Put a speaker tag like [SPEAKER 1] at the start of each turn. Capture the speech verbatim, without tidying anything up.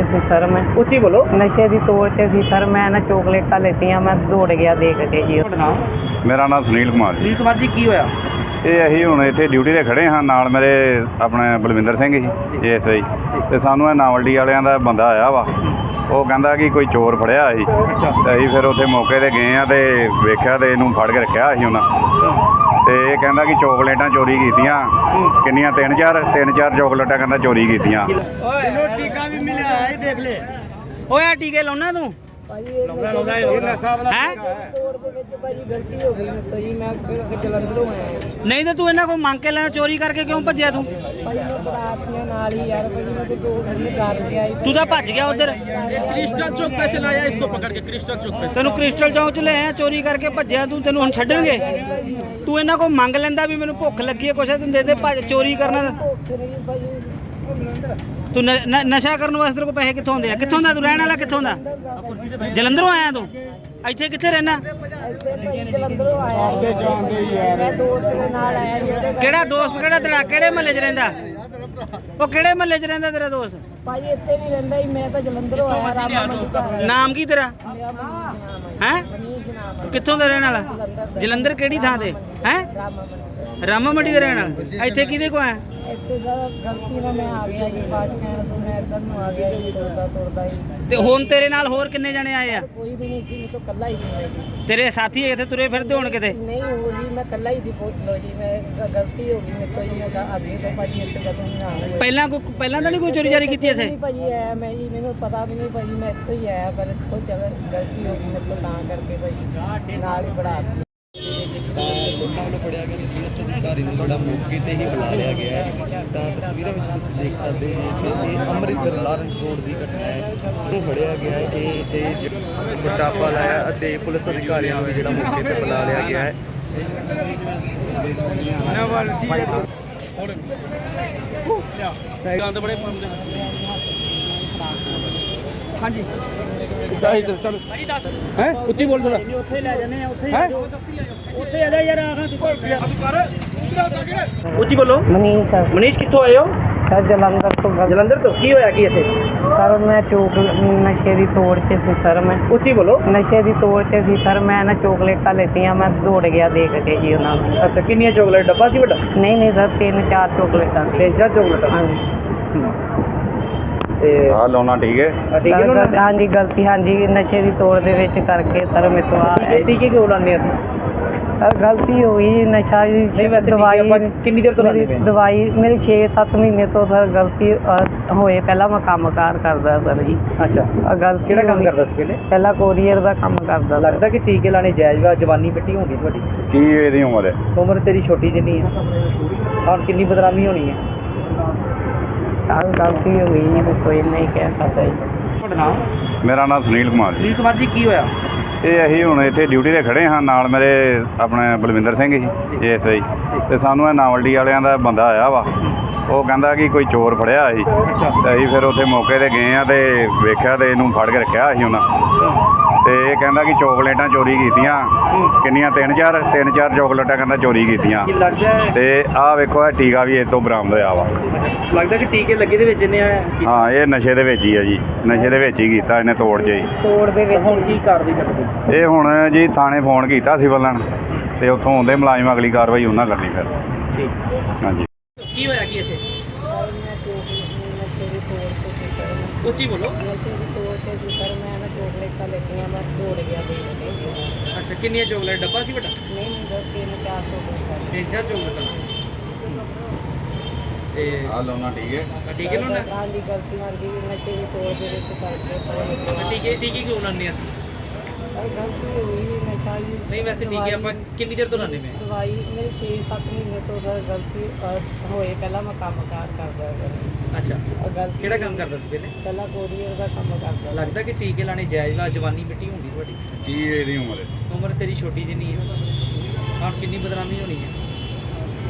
[SPEAKER 1] ਸੀ sir. ਮੈਂ
[SPEAKER 2] ਉੱਚੀ ਬੋਲੋ।
[SPEAKER 1] ਨਸ਼ੇ ਦੀ ਤੋੜ 'ਚ ਸੀ ਸਰ। ਮੈਂ ਨਾ ਚੋਕਲੇਟਾਂ ਲੈਤੀਆਂ, ਮੈਂ ਦੌੜ ਗਿਆ ਦੇਖ ਕੇ ਜੀ।
[SPEAKER 3] ਮੇਰਾ ਨਾਮ ਸੁਨੀਲ ਕੁਮਾਰ ਜੀ।
[SPEAKER 2] ਸੁਨੀਲ ਕੁਮਾਰ ਜੀ, ਕੀ ਹੋਇਆ?
[SPEAKER 3] ਇਹ ਅਸੀਂ ਹੁਣ ਇੱਥੇ ਡਿਊਟੀ 'ਤੇ ਖੜ੍ਹੇ ਹਾਂ, ਨਾਲ ਮੇਰੇ ਆਪਣੇ ਬਲਵਿੰਦਰ ਸਿੰਘ ਜੀ ਏ ਐਸ ਆਈ, ਅਤੇ ਸਾਨੂੰ ਇਹ ਨਾਵਲਡੀ ਵਾਲਿਆਂ ਦਾ ਬੰਦਾ ਆਇਆ ਵਾ। ਉਹ ਕਹਿੰਦਾ ਕਿ ਕੋਈ ਚੋਰ ਫੜਿਆ ਸੀ, ਅਤੇ ਅਸੀਂ ਫਿਰ ਉੱਥੇ ਮੌਕੇ 'ਤੇ ਗਏ ਹਾਂ ਅਤੇ ਵੇਖਿਆ ਅਤੇ ਇਹਨੂੰ ਫੜ ਕੇ ਰੱਖਿਆ ਸੀ ਉਹਨਾਂ। ਅਤੇ ਇਹ ਕਹਿੰਦਾ ਕਿ ਚੋਕਲੇਟਾਂ ਚੋਰੀ ਕੀਤੀਆਂ, ਕਿੰਨੀਆਂ ਤਿੰਨ ਚਾਰ ਤਿੰਨ ਚਾਰ ਚੋਕਲੇਟਾਂ ਕਹਿੰਦਾ ਚੋਰੀ ਕੀਤੀਆਂ।
[SPEAKER 4] ਟੀਕਾ ਵੀ ਮਿਲਿਆ ਹੈ, ਦੇਖ ਲੈ।
[SPEAKER 2] ਓਏ ਟੀਕੇ ਲਾਉਣਾ ਤੂੰ?
[SPEAKER 4] ਇਹ ਨਸ਼ਾ ਵਾਲਾ ਤੋੜ ਦੇ ਵਿੱਚ ਭਾਜੀ ਗਲਤੀ ਹੋ ਗਈ ਮੇਰੇ ਤੋਂ ਜੀ। ਮੈਂ ਜਲੰਧਰੋਂ ਆਇਆ
[SPEAKER 2] ਨਹੀਂ ਤੇ ਤੂੰ ਇਹਨਾਂ ਕੋਲ ਮੰਗ ਕੇ ਲੈਣਾ, ਚੋਰੀ ਕਰਕੇ ਕਿਉਂ ਭੱਜਿਆ ਤੂੰ?
[SPEAKER 4] ਭਾਜੀ। ਮੈਂ ਬਰਾਤ ਦੇ ਨਾਲ ਹੀ ਯਾਰ ਭਾਜੀ, ਮੈਂ तो ढूंढने कर गया।
[SPEAKER 2] ਤੂੰ ਤਾਂ ਭੱਜ ਗਿਆ ਉਧਰ।
[SPEAKER 5] क्रिस्टल चौक पे से लाया इसको पकड़ के, क्रिस्टल चौक पे।
[SPEAKER 2] ਤੈਨੂੰ ਕ੍ਰਿਸਟਲ ਚੌਂਕ 'ਚ ਲੈ ਆਇਆ, ਚੋਰੀ ਕਰਕੇ ਭੱਜਿਆ ਤੂੰ। ਤੈਨੂੰ ਹੁਣ ਛੱਡਣਗੇ? ਤੂੰ ਇਹਨਾਂ ਕੋਲ ਮੰਗ ਲੈਂਦਾ ਵੀ ਮੈਨੂੰ ਭੁੱਖ ਲੱਗੀ ਹੈ, ਕੁਛ ਤੈਨੂੰ ਦੇ ਦੇ। ਭੱਜ ਚੋਰੀ ਕਰਨਾ
[SPEAKER 4] ਭੁੱਖ ਨਹੀਂ ਭਾਜੀ।
[SPEAKER 2] ਤੂੰ ਨ- ਨ- ਨਸ਼ਾ ਕਰਨ ਵਾਸਤੇ ਤੇਰੇ ਕੋਲ ਪੈਸੇ ਕਿੱਥੋਂ ਆਉਂਦੇ ਆ? ਕਿੱਥੋਂ ਦਾ ਤੂੰ ਰਹਿਣ ਵਾਲਾ? ਕਿੱਥੋਂ ਦਾ? ਜਲੰਧਰੋਂ ਆਇਆ ਤੂੰ? ਇੱਥੇ ਕਿੱਥੇ ਰਹਿਣਾ?
[SPEAKER 4] ਇੱਥੇ ਭਾਜੀ ਜਲੰਧਰੋਂ ਆਇਆ ਜੀ। ਮੈਂ ਦੋਸਤ ਦੇ ਨਾਲ ਆਇਆ ਜੀ। ਉਹਦੇ ਘਰ
[SPEAKER 2] ਕਿਹੜਾ ਦੋਸਤ? ਕਿਹੜਾ ਤੇਰਾ? ਕਿਹੜੇ ਮਹੱਲੇ 'ਚ ਰਹਿੰਦਾ ਉਹ? ਕਿਹੜੇ ਮਹੱਲੇ 'ਚ ਰਹਿੰਦਾ ਤੇਰਾ ਦੋਸਤ?
[SPEAKER 4] ਭਾਜੀ ਇੱਥੇ ਨਹੀਂ ਰਹਿੰਦਾ ਜੀ। ਮੈਂ ਤਾਂ ਜਲੰਧਰੋਂ ਆਇਆ, ਰਾਮਾ ਮੰਡੀ ਘਰ ਆਇਆ।
[SPEAKER 2] ਨਾਮ ਕੀ ਤੇਰਾ?
[SPEAKER 4] ਮੇਰਾ ਮਨੀਸ਼ ਨਾਮ ਹੈ।
[SPEAKER 2] ਹੈ?
[SPEAKER 4] ਮਨੀਸ਼ ਨਾਮ ਹੈ।
[SPEAKER 2] ਕਿੱਥੋਂ ਦਾ ਰਹਿਣ ਵਾਲਾ? ਜਲੰਧਰ ਕਿਹੜੀ ਥਾਂ ਤੇ? ਹੈ?
[SPEAKER 4] ਰਾਮਾ ਮੰਡੀ।
[SPEAKER 2] ਰਾਮਾ ਮੰਡੀ ਦਾ ਰਹਿਣ ਵਾਲਾ। ਇੱਥੇ ਕਿਹਦੇ ਕੋ ਆਇਆ?
[SPEAKER 4] ਇੱਥੇ ਸਰ ਗਲਤੀ ਨਾਲ ਮੈਂ ਆ ਗਿਆ ਜੀ। ਬਾਅਦ ਕਹਿਣ ਤੋਂ ਮੈਂ ਇੱਧਰ ਨੂੰ ਆ ਗਿਆ ਜੀ, ਤੁਰਦਾ ਤੁਰਦਾ ਹੀ।
[SPEAKER 2] ਤੇ ਹੁਣ ਤੇਰੇ ਨਾਲ ਹੋਰ ਕਿੰਨੇ ਜਣੇ ਆਏ ਆ?
[SPEAKER 4] ਕੋਈ ਵੀ ਨਹੀਂ ਸੀ, ਮੈਂ ਤਾਂ ਇਕੱਲਾ ਹੀ ਸੀ ਮੈਂ ਜੀ।
[SPEAKER 2] ਤੇਰੇ ਸਾਥੀ ਇੱਥੇ ਤੁਰੇ ਫਿਰਦੇ ਹੋਣ ਕਿਤੇ?
[SPEAKER 4] ਨਹੀਂ ਹੋ ਜੀ, ਮੈਂ ਇਕੱਲਾ ਹੀ ਸੀ। ਪੁੱਛ ਲਓ ਜੀ, ਮੈਂ ਗ- ਗਲਤੀ ਹੋ ਗਈ ਮੇਰੇ ਤੋਂ ਜੀ। ਮੈਂ ਤਾਂ ਅੱਗੇ ਤੋਂ ਭਾਜੀ ਇੱਥੇ ਕਦੋਂ ਨਹੀਂ ਆਉਣਾ।
[SPEAKER 2] ਪਹਿਲਾਂ ਕੋਈ ਪਹਿਲਾਂ ਤਾਂ ਨਹੀਂ ਕੋਈ ਚੋਰੀ ਜਾਰੀ ਕੀਤੀ ਇੱਥੇ?
[SPEAKER 4] ਨਹੀਂ ਭਾਜੀ ਆਇਆ ਮੈਂ ਜੀ, ਮੈਨੂੰ ਪਤਾ ਵੀ ਨਹੀਂ ਭਾਜੀ। ਮੈਂ ਇੱਥੋਂ ਹੀ ਆਇਆ, ਪਰ ਇੱਥੋਂ ਚੱਲ ਗਲਤੀ ਹੋ ਗਈ ਮੇਰੇ ਤੋਂ, ਤਾਂ ਕਰਕੇ ਭਾਜੀ ਨਾਲ ਹੀ ਬੜਾ ਦਿੱਤੀ।
[SPEAKER 5] ਲੋਕਾਂ ਵੱਲੋਂ ਫੜਿਆ ਗਿਆ ਪੁਲਿਸ ਅਧਿਕਾਰੀ ਨੂੰ ਜਿਹੜਾ ਮੌਕੇ ਤੇ ਹੀ ਬੁਲਾ ਲਿਆ ਗਿਆ ਹੈ। ਤਾਂ ਤਸਵੀਰਾਂ ਵਿੱਚ ਤੁਸੀਂ ਦੇਖ ਸਕਦੇ ਹੋ ਕਿ ਇਹ ਅੰਮ੍ਰਿਤਸਰ ਲਾਰੈਂਸ ਰੋਡ ਦੀ ਘਟਨਾ ਹੈ। ਉਹ ਫੜਿਆ ਗਿਆ ਹੈ ਕਿ ਇੱਥੇ ਪਟਾਪਾ ਲਾਇਆ ਅਤੇ ਪੁਲਿਸ ਅਧਿਕਾਰੀਆਂ ਨੂੰ ਵੀ ਜਿਹੜਾ ਮੌਕੇ ਤੇ ਬੁਲਾ ਲਿਆ ਗਿਆ ਹੈ। ਸਾਈਡਾਂ ਤੇ ਬੜੇ
[SPEAKER 2] ਹਾਂਜੀ
[SPEAKER 5] ਹੈ ਉੱਚੀ ਬੋਲ ਥੋੜਾ।
[SPEAKER 2] ਉੱਥੇ ਲੈ ਜਾਂਦੇ ਆ। ਉੱਥੇ ਉੱਥੇ ਆ ਜਾ ਯਾਰ। ਉੱਚੀ ਬੋਲੋ।
[SPEAKER 1] ਮਨੀਸ਼ ਸਰ।
[SPEAKER 2] ਮਨੀਸ਼, ਕਿੱਥੋਂ ਆਏ ਹੋ?
[SPEAKER 1] ਸਰ ਜਲੰਧਰ ਤੋਂ ਗੱਲ।
[SPEAKER 2] ਜਲੰਧਰ ਤੋਂ। ਕੀ ਹੋਇਆ ਕੀ ਇੱਥੇ?
[SPEAKER 1] ਸਰ ਮੈਂ ਚੋਕ ਨਸ਼ੇ ਦੀ ਤੋੜ 'ਚ ਸੀ ਸਰ। ਮੈਂ
[SPEAKER 2] ਉੱਚੀ ਬੋਲੋ।
[SPEAKER 1] ਨਸ਼ੇ ਦੀ ਤੋੜ 'ਚ ਸੀ ਸਰ। ਮੈਂ ਨਾ ਚੋਕਲੇਟਾਂ ਲੈਤੀਆਂ, ਮੈਂ ਦੌੜ ਗਿਆ ਦੇਖ ਕੇ ਜੀ ਉਹਨਾਂ ਨੂੰ।
[SPEAKER 2] ਅੱਛਾ, ਕਿੰਨੀਆਂ ਚੋਕਲੇਟ? ਡੱਬਾ ਸੀ ਵੱਡਾ?
[SPEAKER 1] ਨਹੀਂ ਨਹੀਂ ਸਰ, ਤਿੰਨ ਚਾਰ ਚੋਕਲੇਟਾਂ ਸੀ।
[SPEAKER 2] ਤਿੰਨ ਚਾਰ ਚੋਕਲੇਟ?
[SPEAKER 1] ਹਾਂਜੀ
[SPEAKER 2] ਤੇ
[SPEAKER 3] ਆਹ ਲਾਉਣਾ ਠੀਕ ਹੈ।
[SPEAKER 2] ਆ ਟੀਕੇ ਨੂੰ
[SPEAKER 1] ਸਰ, ਹਾਂਜੀ ਗਲਤੀ, ਹਾਂਜੀ ਨਸ਼ੇ ਦੀ ਤੋੜ ਦੇ ਵਿੱਚ ਕਰਕੇ ਸਰ ਮੇਰੇ ਤੋਂ ਆ
[SPEAKER 2] ਟੀਕੇ ਟੀਕੇ ਕਿਉਂ ਲਾਉਂਦੇ ਅਸੀਂ?
[SPEAKER 1] ਸਰ ਗਲਤੀ ਹੋ ਗਈ ਜੀ। ਨਸ਼ਾ ਜੀ
[SPEAKER 2] ਨਹੀਂ ਵੈਸੇ
[SPEAKER 1] ਦਵਾਈ
[SPEAKER 2] ਆਪਾਂ ਕਿੰਨੀ ਦੇਰ ਤੋਂ ਲਾਉਂਦੇ
[SPEAKER 1] ਮੇਰੀ
[SPEAKER 2] ਪਏ?
[SPEAKER 1] ਦਵਾਈ ਮੇਰੀ ਛੇ ਸੱਤ ਮਹੀਨੇ ਤੋਂ ਸਰ ਗਲਤੀ ਅ, ਹੋਏ। ਪਹਿਲਾਂ ਮੈਂ ਕੰਮ ਕਾਰ ਕਰਦਾ ਸਰ ਜੀ।
[SPEAKER 2] ਅੱਛਾ,
[SPEAKER 1] ਆਹ ਗਲਤੀ
[SPEAKER 2] ਕਿਹੜਾ ਕੰਮ
[SPEAKER 1] ਹੋਈ।
[SPEAKER 2] ਕਰਦਾ ਸੀ ਪਹਿਲੇ?
[SPEAKER 1] ਪਹਿਲਾਂ ਕੋਰੀਅਰ ਦਾ ਕੰਮ ਕਰਦਾ ਸਰ।
[SPEAKER 2] ਲੱਗਦਾ ਕਿ ਟੀਕੇ ਲਾਣੇ ਜਾਇਜ਼ ਵਾ? ਜਵਾਨੀ ਮਿੱਟੀ ਹੋਣੀ ਤੁਹਾਡੀ,
[SPEAKER 3] ਕੀ ਇਹਦੀ ਉਮਰ ਹੈ?
[SPEAKER 2] ਉਮਰ ਤੇਰੀ ਛੋਟੀ ਜਿੰਨੀ ਹੈ। ਹੁਣ ਕਿੰਨੀ ਬਦਨਾਮੀ ਹੋਣੀ ਹੈ?
[SPEAKER 1] ਸਰ ਗਲਤੀ ਹੋ ਗਈ ਜੀ, ਕੋਈ ਨਹੀਂ ਕਹਿ ਸਕਦਾ ਜੀ।
[SPEAKER 2] ਤੁਹਾਡਾ ਨਾਮ?
[SPEAKER 3] ਮੇਰਾ ਨਾਮ ਸੁਨੀਲ ਕੁਮਾਰ ਜੀ।
[SPEAKER 2] ਸੁਨੀਲ ਕੁਮਾਰ ਜੀ, ਕੀ ਹੋਇਆ?
[SPEAKER 3] ਇਹ ਅਸੀਂ ਹੁਣ ਇੱਥੇ ਡਿਊਟੀ 'ਤੇ ਖੜ੍ਹੇ ਹਾਂ, ਨਾਲ ਮੇਰੇ ਆਪਣੇ ਬਲਵਿੰਦਰ ਸਿੰਘ ਜੀ ਏ ਐਸ ਆਈ, ਅਤੇ ਸਾਨੂੰ ਇਹ ਨਾਵਲਡੀ ਵਾਲਿਆਂ ਦਾ ਬੰਦਾ ਆਇਆ ਵਾ। ਉਹ ਕਹਿੰਦਾ ਕਿ ਕੋਈ ਚੋਰ ਫੜਿਆ ਸੀ, ਅਤੇ ਅਸੀਂ ਫਿਰ ਉੱਥੇ ਮੌਕੇ 'ਤੇ ਗਏ ਹਾਂ ਅਤੇ ਵੇਖਿਆ ਅਤੇ ਇਹਨੂੰ ਫੜ ਕੇ ਰੱਖਿਆ ਸੀ ਉਹਨਾਂ। ਅਤੇ ਇਹ ਕਹਿੰਦਾ ਕਿ ਚੋਕਲੇਟਾਂ ਚੋਰੀ ਕੀਤੀਆਂ, ਕਿੰਨੀਆਂ ਤਿੰਨ ਚਾਰ ਤਿੰਨ ਚਾਰ ਚੋਕਲੇਟਾਂ ਕਹਿੰਦਾ ਚੋਰੀ ਕੀਤੀਆਂ।
[SPEAKER 2] ਕੀ ਲੱਗਦਾ ਹੈ?
[SPEAKER 3] ਅਤੇ ਆਹ ਵੇਖੋ, ਇਹ ਟੀਕਾ ਵੀ ਇਹ ਤੋਂ ਬਰਾਮਦ ਹੋਇਆ ਵਾ।
[SPEAKER 2] ਲੱਗਦਾ ਕਿ ਟੀਕੇ ਲੱਗੇ ਦੇ ਵਿੱਚ ਇਹਨੇ
[SPEAKER 3] ਹਾਂ, ਇਹ ਨਸ਼ੇ ਦੇ ਵਿੱਚ ਹੀ ਆ ਜੀ। ਨਸ਼ੇ ਦੇ ਵਿੱਚ ਹੀ ਕੀਤਾ ਇਹਨੇ, ਤੋੜ 'ਚ ਹੀ।
[SPEAKER 2] ਤੋੜ ਦੇ ਵਿੱਚ। ਹੁਣ ਕੀ ਕਾਰਵਾਈ ਕਰਦੇ?
[SPEAKER 3] ਇਹ ਹੁਣ ਜੀ ਥਾਣੇ ਫੋਨ ਕੀਤਾ ਸਿਵਲ ਲਾਈਨ, ਅਤੇ ਉੱਥੋਂ ਆਉਂਦੇ ਮੁਲਾਜ਼ਮ, ਅਗਲੀ ਕਾਰਵਾਈ ਉਹਨਾਂ ਕਰਨੀ ਫਿਰ।
[SPEAKER 2] ਠੀਕ।
[SPEAKER 3] ਹਾਂਜੀ।
[SPEAKER 2] ਕੀ ਹੋਇਆ ਕੀ ਇੱਥੇ?
[SPEAKER 4] ਮੈਂ ਨਸ਼ੇ ਦੀ ਤੋੜ 'ਤੇ ਸੀ ਸਰ। ਮੈਂ
[SPEAKER 2] ਉੱਚੀ ਬੋਲੋ।
[SPEAKER 4] ਨਸ਼ੇ ਦੀ ਤੋੜ 'ਤੇ ਸੀ ਸਰ। ਮੈਂ ਨਾ ਚੋਕਲੇਟਾਂ ਲੈਤੀਆਂ, ਮੈਂ ਦੌੜ ਗਿਆ ਦੇਖ ਕੇ।
[SPEAKER 2] ਅੱਛਾ, ਕਿੰਨੀਆਂ ਚੋਕਲੇਟ? ਡੱਬਾ ਸੀ ਵੱਡਾ?
[SPEAKER 4] ਨਹੀਂ ਨਹੀਂ ਸਰ, ਤਿੰਨ ਚਾਰ ਚੋਕਲੇਟਾਂ।
[SPEAKER 2] ਤਿੰਨ ਚਾਰ ਚੋਕਲੇਟ? ਤੇ
[SPEAKER 3] ਆਹ ਲਾਉਣਾ ਠੀਕ ਹੈ।
[SPEAKER 2] ਆ ਟੀਕੇ ਲਾਉਣਾ?
[SPEAKER 4] ਹਾਂਜੀ ਗਲਤੀ ਮਰ ਗਈ ਨਸ਼ੇ ਦੀ ਤੋੜ ਦੇ ਵਿੱਚ ਕਰਕੇ ਸਰ।
[SPEAKER 2] ਆ ਟੀਕੇ ਟੀਕੇ ਕਿਉਂ ਲਾਉਂਦੇ ਅਸੀਂ?
[SPEAKER 4] ਸਰ ਗਲਤੀ ਹੋ ਗਈ ਨਸ਼ਾ ਜੀ।
[SPEAKER 2] ਨਹੀਂ ਵੈਸੇ ਟੀਕੇ ਆਪਾਂ ਕਿੰਨੀ ਦੇਰ ਤੋਂ ਲਾਉਂਦੇ ਪਏ?
[SPEAKER 4] ਦਵਾਈ ਮੇਰੇ ਛੇ ਸੱਤ ਮਹੀਨੇ ਤੋਂ ਸਰ ਗਲਤੀ ਅ, ਹੋਏ। ਪਹਿਲਾਂ ਮੈਂ ਕੰਮ ਕਾਰ ਕਰਦਾ ਸਰ।
[SPEAKER 2] ਅੱਛਾ,
[SPEAKER 4] ਆਹ ਗਲਤੀ
[SPEAKER 2] ਕਿਹੜਾ ਕੰਮ ਕਰਦਾ ਸੀ ਪਹਿਲੇ?
[SPEAKER 4] ਪਹਿਲਾਂ ਕੋਰੀਅਰ ਦਾ ਕੰਮ ਕਰਦਾ।
[SPEAKER 2] ਲੱਗਦਾ ਕਿ ਟੀਕੇ ਲਾਣੇ ਜਾਇਜ਼ ਵਾ? ਜਵਾਨੀ ਮਿੱਟੀ ਹੋਣੀ ਤੁਹਾਡੀ,
[SPEAKER 3] ਕੀ ਇਹਦੀ ਉਮਰ ਹੈ?
[SPEAKER 2] ਉਮਰ ਤੇਰੀ ਛੋਟੀ ਜਿੰਨੀ ਹੈ। ਹੁਣ ਕਿੰਨੀ ਬਦਨਾਮੀ ਹੋਣੀ ਹੈ?